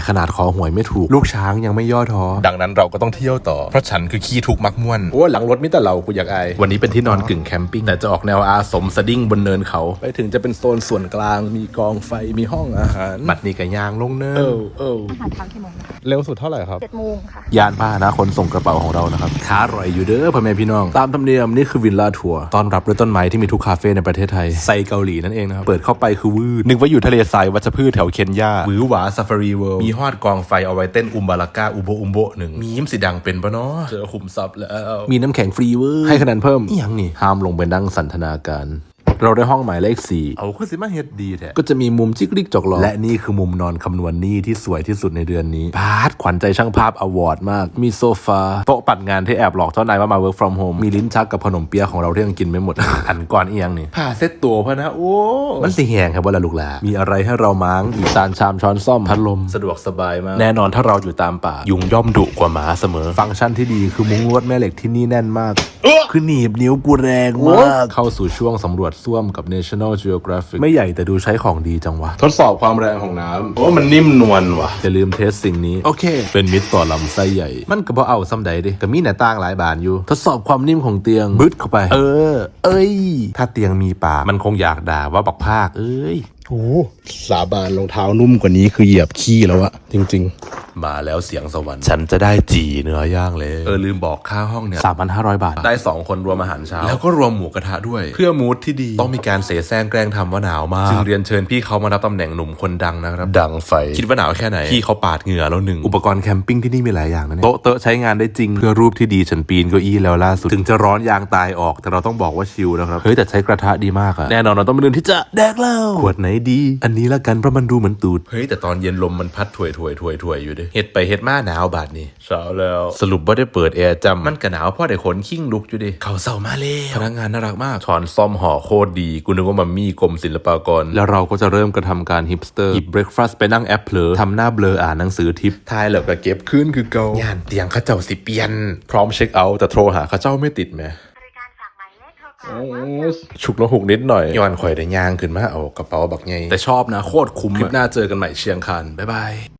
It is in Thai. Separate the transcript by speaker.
Speaker 1: ขนาดขอหวยไม่ถูกลูกช้างยังไม่ย่อท้อดังนั้นเราก็ต้องเที่ยวต่อเพราะฉันคือขี้ทุกข์มักม่วนโอ้หลังรถมิแต่เรากูอยากอายวันนี้เป็นที่นอนกึ่งแคมปิ้งแต่จะออกแนวอาสมสดิ้งบนเนินเขาไปถึงจะเป็นโซนส่วนกลางมีกองไฟมีห้องอาหารบัดนี้ก็ย่างลงเนิน
Speaker 2: อาหารเช้ากี่โมงนะคะ
Speaker 1: เร็วสุดเท่าไหร่ครับ
Speaker 2: 7 โมงค่ะ
Speaker 1: ยานพาหนะคนส่งกระเป๋าของเรานะครับค้าอร่อยอยู่เด้อพ่อแม่พี่น้องตามธรรมเนียมนี่คือวิลล่าทัวร์ต้อนรับด้วยต้นไม้ที่มีทุกคาเฟ่ในประเทศไทยไซเกาหลีนั่นเองนะครับเปิดเข้าไปคือวืดนึกว่าอยู่ทะเลทรายวัชพืชแถวเคนยาหวือหวาซาฟารีเวิลด์มีฮอดกองไฟเอาไว้เต้นอุมบาลาก้าอุโบหนึ่งมียิ้มสีดังเป็นปะเนาะเจอขุมทรัพย์แล้วมีน้ำแข็งฟรีเวอร์ให้คะแนนเพิ่มอีหยังนี่ห้ามลงไปนั่งสันทนาการเราได้ห้องหมายเลข4เอาคือสิมาเฮ็ดดีแท้ก็จะมีมุมจิกลิกจอกหลอและนี่คือมุมนอนคำนวณหนี้ที่สวยที่สุดในเดือนนี้พาดขวัญใจช่างภาพอวอร์ดมากมีโซฟาโต๊ะปัดงานที่แอบหลอกเจ้านายว่ามา work from home มีลิ้นชักกับขนมเปี๊ยะของเราที่ยังกินไม่หมด อันก่อนอีหยังนี่ผ้าเซ็ตตัวพะนะโอ้มันสิแหงครับว่าละลูกหลามีอะไรให้เราม้างอีกจานชามช้อนซ่อมพัดลมสะดวกสบายมากแน่นอนถ้าเราอยู่ตามป่ายุงย่อมดุกว่าหมาเสมอฟังก์ชันที่ดีคือมุ้งลวดแม่เหล็กที่นี่แน่นมากคือหนีบนิ้วกูแรงมากเข้าสู่ช่วงสำรวจซ่วมกับ National Geographic ไม่ใหญ่แต่ดูใช้ของดีจังวะทดสอบความแรงของน้ำโอ้มันนิ่มนวลว่ะอย่าลืมเทสสิ่งนี้โอเคเป็นมิตรต่อลำไส้ใหญ่มันก็บ่เอาซ้ำใดดิก็มีหน้าต่างหลายบานอยู่ทดสอบความนิ่มของเตียงบึดเข้าไปเอ้ยถ้าเตียงมีปากมันคงอยากด่าว่าบักภาคเอ้ยโอ้สาบานรองเท้านุ่มกว่านี้คือเหยียบขี้แล้วอะจริงๆมาแล้วเสียงสวรรค์ฉันจะได้จีเนื้อย่างเลยลืมบอกค่าห้องเนี่ย 3,500 บาทได้2คนรวมอาหารเช้าแล้วก็รวมหมูกระทะด้วยเพื่อมูดที่ดีต้องมีการเสแสร้งแกล้งทำว่าหนาวมากจึงเรียนเชิญพี่เขามารับตำแหน่งหนุ่มคนดังนะครับดังไฟคิดว่าหนาวแค่ไหนพี่เขาปาดเหงื่อแล้วหนึ่งอุปกรณ์แคมปิ้งที่นี่มีหลายอย่างนะเนี่ยโต๊ะเตอะใช้งานได้จริงเพื่อรูปที่ดีฉันปีนเก้าอี้แล้วล่าสุดถึงจะร้อนยางตายออกแต่เราต้องบอกว่าชิลนะครับเฮ้ยแต่ใช้กระทะดีมากอะแน่นอนเราต้องเป็นเรื่องที่จะแดกเหล้าขวดไหนดีอันนี้ละกันเพราะมันดูเหมือนตูดเฮ้ยแต่ตอนเย็นลมมันพัดถวยอยู่ดิเฮ็ดไปเฮ็ดมาหนาวบาดนี่เช้าแล้วสรุปว่าได้เปิดแอร์จำมันก็หนาวเพราะได้ขนขิ้งลุกอยู่ดิเขาเศร้ามาเลยพนักงานน่ารักมากช้อนซ่อมห่อโคตรดีกูนึกว่ามัมมี่กรมศิลปากรแล้วเราก็จะเริ่มกระทำการฮิปสเตอร์หยิบเบรคฟาสต์ไปนั่งแอปเผลอทำหน้าเบลออ่านหนังสือทิปทายแล้วก็เก็บขึ้นคือเก่าย่านเตียงข้าเจ้าสิเปลี่ยนพร้อมเช็คเอาท์แต่โทรหาข้าเจ้าไม่ติดแมฉุกละหุกนิดหน่อยย้อนข่อยได้ย่างขึ้นมาเอากระเป๋าบักไงแต่ชอบนะโคตรคุ้มคลิปหน้าเจอกันใหม่เชียงคานบ๊ายบาย